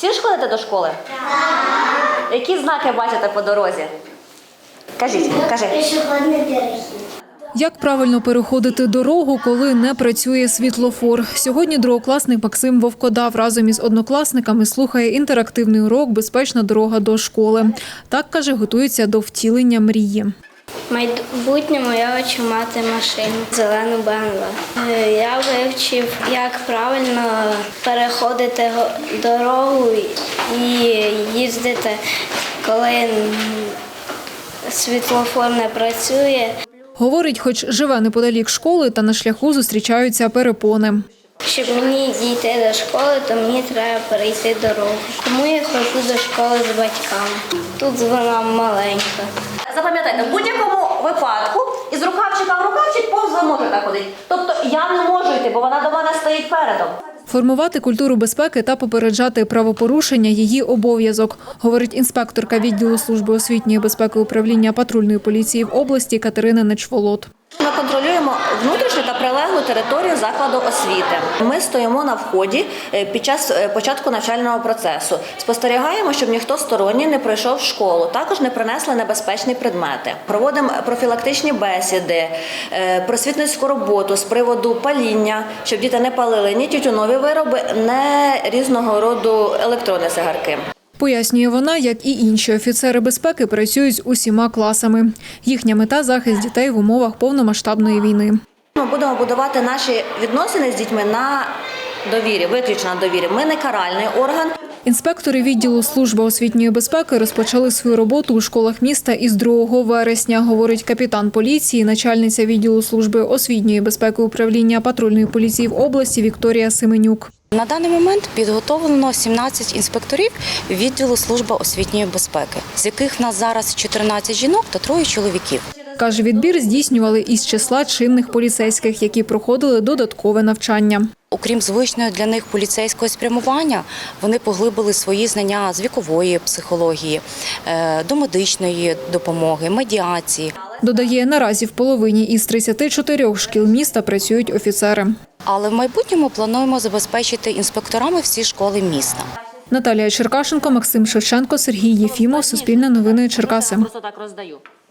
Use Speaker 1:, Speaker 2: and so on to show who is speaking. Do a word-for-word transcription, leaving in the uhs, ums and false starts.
Speaker 1: Всі ж ходите до школи? Так. Які знаки бачите по дорозі? Кажіть, кажи.
Speaker 2: Пішохідний перехід.
Speaker 3: Як правильно переходити дорогу, коли не працює світлофор? Сьогодні другокласник Максим Вовкодав разом із однокласниками слухає інтерактивний урок «Безпечна дорога до школи». Так, каже, готується до втілення мрії.
Speaker 2: В майбутньому я хочу мати машину, зелену Б М В. Я вивчив, як правильно переходити дорогу і їздити, коли світлофор не працює.
Speaker 3: Говорить, хоч живе неподалік школи, та на шляху зустрічаються перепони.
Speaker 2: Щоб мені дійти до школи, то мені треба перейти дорогу. Тому я ходжу до школи з батьками. Тут вона маленька.
Speaker 1: Запам'ятайте, в будь-якому випадку із рукавчика в рукавчик повз ви можете ходити. Тобто я не можу йти, бо вона до мене стоїть передом.
Speaker 3: Формувати культуру безпеки та попереджати правопорушення – її обов'язок, говорить інспекторка відділу служби освітньої безпеки управління патрульної поліції в області Катерина Нечволод.
Speaker 1: Ми контролюємо внутрішню та прилеглу територію закладу освіти. Ми стоїмо на вході під час початку навчального процесу. Спостерігаємо, щоб ніхто сторонній не пройшов в школу, також не принесли небезпечні предмети. Проводимо профілактичні бесіди, просвітницьку роботу з приводу паління, щоб діти не палили ні тютюнові вироби, ні різного роду електронні цигарки.
Speaker 3: Пояснює вона, як і інші офіцери безпеки працюють з усіма класами. Їхня мета – захист дітей в умовах повномасштабної війни.
Speaker 1: Ми будемо будувати наші відносини з дітьми на довірі, виключно на довірі. Ми не каральний орган.
Speaker 3: Інспектори відділу служби освітньої безпеки розпочали свою роботу у школах міста із другого вересня, говорить капітан поліції, начальниця відділу служби освітньої безпеки управління патрульної поліції в області Вікторія Семенюк.
Speaker 4: На даний момент підготовлено сімнадцять інспекторів відділу служби освітньої безпеки, з яких в нас зараз чотирнадцять жінок та троє чоловіків.
Speaker 3: Каже, відбір здійснювали із числа чинних поліцейських, які проходили додаткове навчання.
Speaker 4: Окрім звичного для них поліцейського спрямування, вони поглибили свої знання з вікової психології, до медичної допомоги, медіації.
Speaker 3: Додає, наразі в половині із тридцяти чотирьох шкіл міста працюють офіцери.
Speaker 4: Але в майбутньому плануємо забезпечити інспекторами всі школи міста.
Speaker 3: Наталія Черкашенко, Максим Шевченко, Сергій Єфімов, Суспільне новини Черкаси.